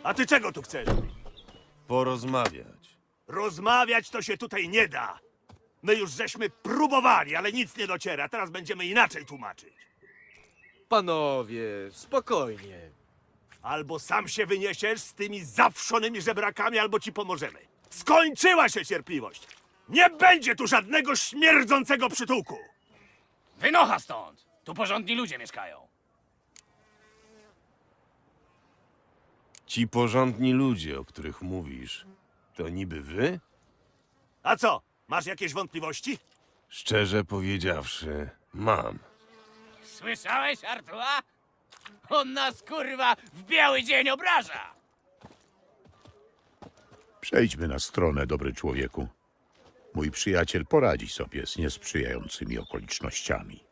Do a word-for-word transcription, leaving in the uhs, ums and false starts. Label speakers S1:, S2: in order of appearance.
S1: A ty czego tu chcesz?
S2: Porozmawiać.
S1: Rozmawiać to się tutaj nie da. My już żeśmy próbowali, ale nic nie dociera. Teraz będziemy inaczej tłumaczyć.
S3: Panowie, spokojnie.
S1: Albo sam się wyniesiesz z tymi zawszonymi żebrakami, albo ci pomożemy. Skończyła się cierpliwość. Nie będzie tu żadnego śmierdzącego przytułku.
S4: Wynocha stąd! Tu porządni ludzie mieszkają.
S2: Ci porządni ludzie, o których mówisz, to niby wy?
S1: A co, masz jakieś wątpliwości?
S2: Szczerze powiedziawszy, mam.
S4: Słyszałeś, Artua? On nas, kurwa, w biały dzień obraża!
S5: Przejdźmy na stronę, dobry człowieku. Mój przyjaciel poradzi sobie z niesprzyjającymi okolicznościami.